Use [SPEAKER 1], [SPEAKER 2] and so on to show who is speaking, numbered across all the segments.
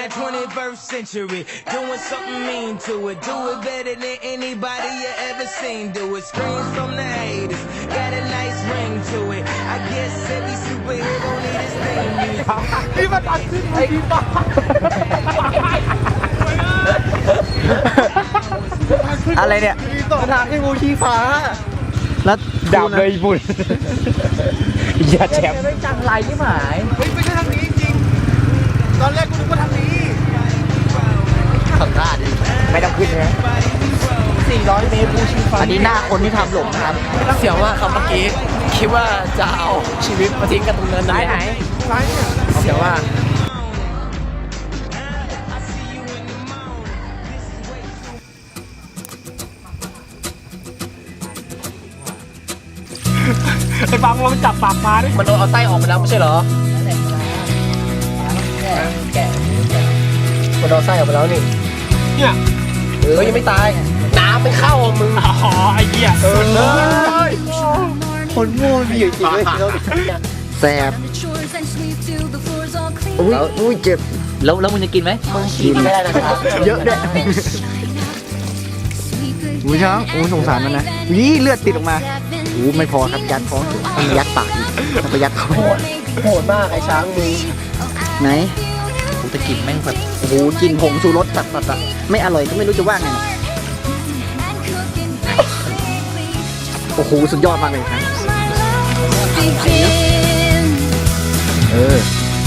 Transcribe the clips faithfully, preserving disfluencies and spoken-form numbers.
[SPEAKER 1] like twenty-first century. Doing something mean to it. Do it better than anybody you ever seen. Do it. Scream from the haters. Got a nice ring to it. I guess every superhero need his theme music.
[SPEAKER 2] นี่มันอัดขึ้นไอ้บ้าอะไรเนี่ยสถานที่บูชีฟ้าแล้วดับเลยบุญอย่าแชมป์ไม่จังไรที่หมายไม่ใช่ทางนี้จริงตอนแรกกูนึกว่าทางนี้ขับหน้าดิไม่ต้องขึ้นนะสี่ร้อยเมตรบูชีฟ้าอันนี้หน้าคนที่ทำหลงครับเสียวว่าคำเมื่อกี้คิดว่าจะเอาชีวิตมาทิ้งกันตรงนั้นไหนไหนซ้ายเนี่ยเสียวว่าไอ้ฟังลองจับปากปลาดิมันโดนเอาไส้ออกไปแล้วไม่ใช่เหรอแกะมันเอาไส้ออกไปแล้วนี่เนี่ยเออยังไม่ตายน้ำไม่เข้ามึงอ๋อไอ้เหี้ยเออเลยคนโง่มีอยู่จริงเลยแสบอุ้ยอุ้ยเจ็บแล้วแล้วมึงจะกินไหมกินไม่ได้นะครับเยอะด้วยหูช้างโอ้สงสารมันนะนี่เลือดติดออกมาโอ้ไม่พอครับยัดท้องต้องยัดปากอีกต้องไปยัดท้องโหดมากไอ้ช้างมึงไหนกูจะกินแม่งแบบโอ้โหกินผงชูรสตัดตัดอะไม่อร่อยก็ไม่รู้จะว่าไงโอ้โหสุดยอดมากเลยครับเออ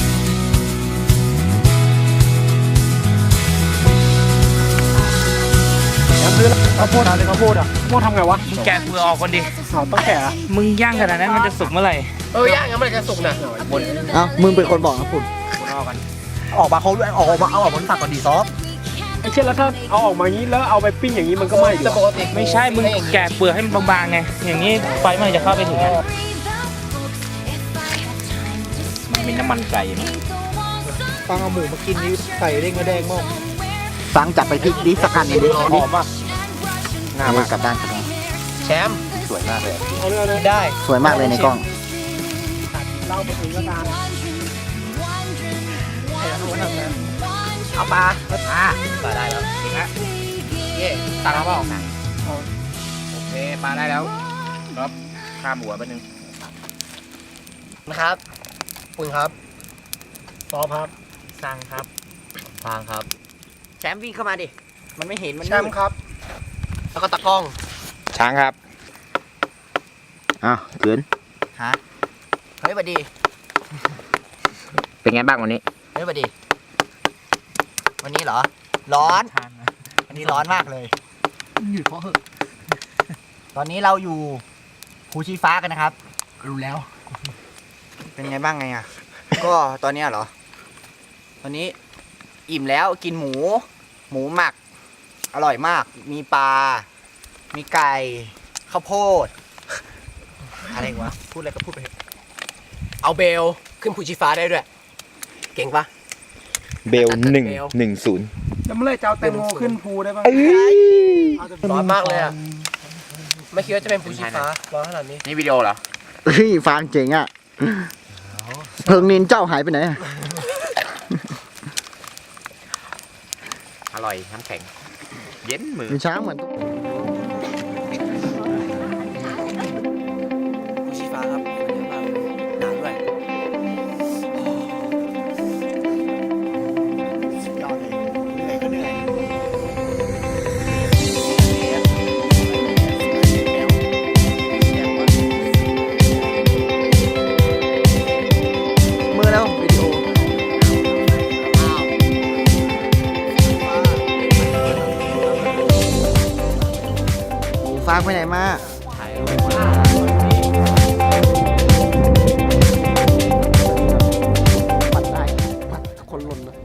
[SPEAKER 2] ข้าวโพดอะไรข้าวโพดอ่ะข้าวโพดทำไงวะมึงแกะเปลือกออกก่อนดิเอาต้องแกะมึงย่างขนาดนั้นมันจะสุกเมื่อไหร่เออย่างงั้นมันจะสุกนะบนเอ้ามึงเป็นคนบอกนะคุณออกกันออกมาเขาด้วยออกมาเอาออกมาฝักก่อนดีซอฟไอ้เช่นแล้วถ้าเอาออกมาอย่างนี้แล้วเอาไปปิ้งอย่างนี้มันก็ไม่จะปกติไม่ใช่มึงแกะเปลือกให้มันบางๆไงอย่างนี้ไฟมันจะเข้าไปถึงมันมีน้ำมันไก่ฟังเอาหมูมากินนี่ไก่เด้งกระแดงมากฟังจับไปพริกดิสักอันนึงดิหอมป่ะงามมากกับด้านกันแชมป์สวยมากเลยได้สวยมากเลยในกล้องเราไปถึงแล้วกันเอาปลาปลาปลาได้แล้วจริงละเย่ตักเอาเปล่าโอเคปลาได้แล้วครับข้ามหัวไปหนึ่งนะครับคุณครับซอครับสั่งครับฟางครับแชมป์วิ่งเข้ามาดิมันไม่เห็นมันแชมป์ครับแล้วก็ตะกล้องช้างครับอ้าวเกินฮะเฮ้ยบัดดีเป็นไงบ้างวันนี้เฮ้ยบัดดีวันนี้เหรอร้อนวันนี้ร้อนมากเลยหยุดเพราะเหอะตอนนี้เราอยู่ภูชีฟ้ากันนะครับรู้แล้วเป็นไงบ้างไงอ่ะก็ตอนนี้เหรอตอนนี้อิ่มแล้วกินหมูหมูหมักอร่อยมากมีปลามีไก่ข้าวโพดอะไรวะพูดอะไรก็พูดไปเอาเบลขึ้นภูชีฟ้าได้ด้วยเก่งปะเบลหนึ่งหนึ่งศูนย์แล้วเมื่อไรจะเอาแตงโมขึ้นภูได้บ้างร้อนมากเลยอ่ะไม่คิดว่าจะเป็นภูชีฟ้าร้อนขนาดนี้นี่วิดีโอเหรอเฮ้ยฟานเจ๋งอ่ะเพิงนินเจ้าหายไปไหนอร่อยน้ำแข็งเย็นมือมีช้างเหมือนภูชีฟ้าครับเยอะมากหนาวด้วยสุดยอดเลยเหนื่อยก็เหนื่อยมือแล้ววิดีโอฟางไปไหนมาปัดได้ปัดคนหล่นเลย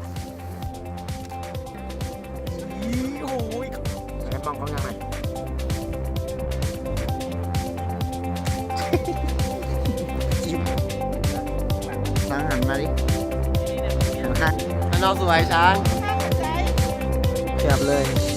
[SPEAKER 2] โอ้ยใช้ป้องเขายังไงช้างหันมาดิหันข้างเราสวยช้างเฉียบเลย